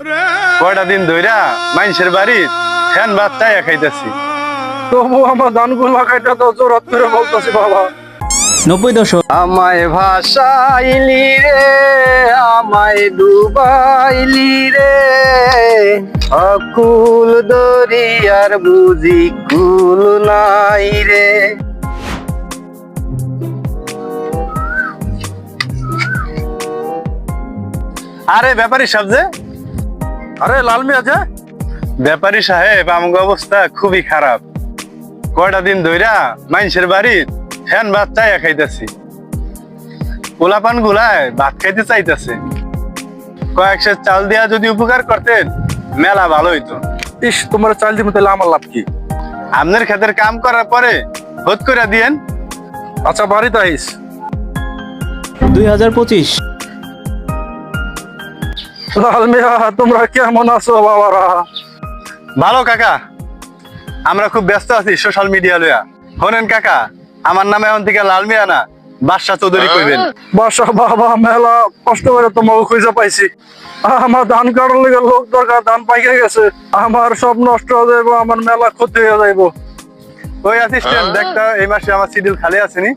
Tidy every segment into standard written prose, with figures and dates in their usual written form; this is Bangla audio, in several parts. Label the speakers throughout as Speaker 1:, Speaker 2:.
Speaker 1: কয়টা দিন ধইরা মানুষের বাড়ি ফ্যান ভাত চাইয়া খাইতেছি।
Speaker 2: তবু আমার ধানগুলো লাগাইটা তো জোরাত করে বলতেছি বাবা।
Speaker 3: 90 দশক।
Speaker 2: আমায় ভাসাইলি রে, আমায় ডুবাইলি রে, অকুল দরিয়ার বুঝি কুল নাই রে।
Speaker 1: আরে ব্যাপারী সাহেব যে,
Speaker 2: আরে লাল মিয়া যে,
Speaker 1: ব্যাপারী সাহেব আমাকে অবস্থা খুবই খারাপ। কয়টা দিন ধইরা মানুষের বাড়ি ফ্যান ভাত চাইয়া খাইতেছি। পোলাপান গুলায় ভাত খাইতে চাইতেছে। কয়েক সের চাল দিয়া যদি উপকার করতেন মেলা ভালো হইতো।
Speaker 2: ইস তোমার চাল দিমু তাহলে আমার লাভ কি?
Speaker 1: আপনার ক্ষেতের কাম করার পরে হোদ করে দিয়েন।
Speaker 2: আচ্ছা বাড়িতে আইস।
Speaker 3: 2025।
Speaker 2: লাল মিয়া তোমরা কেমন আছো বাবারা?
Speaker 1: ভালো কাকা, আমরা খুব ব্যস্ত আছি সোশ্যাল মিডিয়া লইয়া। শোনেন কাকা, আমার নামে এখন থেকে লাল মিয়া না, বাদশা চৌধুরী কইবেন।
Speaker 2: বাসা বাবা মেলা কষ্ট করে তোমাকে খুঁজে পাইছি। আমার ধান কাটার লেগে লোক দরকার, ধান পাইকে গেছে, আমার সব নষ্ট হয়ে যাইব, আমার মেলা ক্ষতি হয়ে যাইব।
Speaker 1: ওই অ্যাসিস্ট্যান্ট দেখতা এই মাসে আমার শিডিউল খালি আছে নি?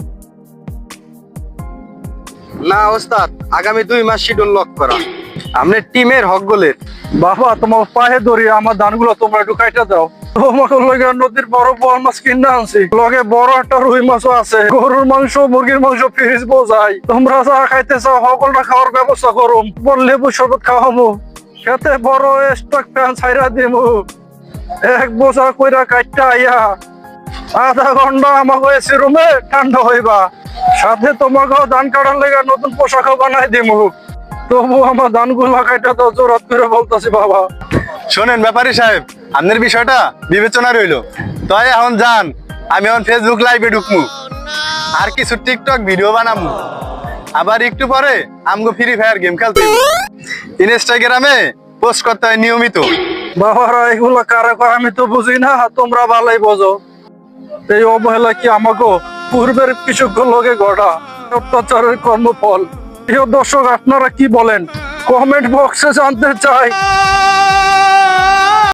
Speaker 2: না ওস্তাদ, আগামী 2 মাস শিডিউল লক করা। আপনি টিমের হক গোলের বাবা, তোমার পায়ে ধরি আমার ধানগুলো তোমরা একটু কাইটা দাও। তোমাকে লগে নদীর বড় বড় মাছ কিনে আনছি, লগে বড় একটা রুই মাছও আছে, গরুর মাংস মুরগির মাংস ফ্রিজ বোঝাই। তোমরা যা খাইতে চাও সকলটা খাওয়ার ব্যবস্থা করুম। লেবু শরবত খাওয়ামু, খেতে বড় স্টক প্যান ছাইরা দিমু। এক বোঝা কইরা কাইটা আইয়া আধা ঘন্টা আমাকে এসি রুমে ঠান্ডা হইবা, সাথে তোমাকে ধান কাটার লেগে নতুন পোশাকও বানাই দিমু। তবু আমার ধানগুলো কাইটা তো জোরাত করে বলতেছি বাবা।
Speaker 1: শোনেন ব্যাপারী সাহেব, আপনার বিষয়টা বিবেচনা রইলো। তাই এখন যান, আমি এখন ফেসবুক লাইভে ঢুকমু, আর কিছু টিকটক ভিডিও বানামু। আবার একটু পরে আমগো ফ্রি ফায়ার গেম খেলতে হইব। ইনস্টাগ্রামে পোস্ট করতে হয় নিয়মিত।
Speaker 2: বাবারা এগুলা কারা কয় আমি তো বুঝি না, তোমরা ভালোই বোঝো। এই অবহেলা কি আমাকে পূর্বের কিছু লোকে গড়া অত্যাচারের কর্মফল? প্রিয় দর্শক আপনারা কি বলেন কমেন্ট বক্সে জানতে চাই।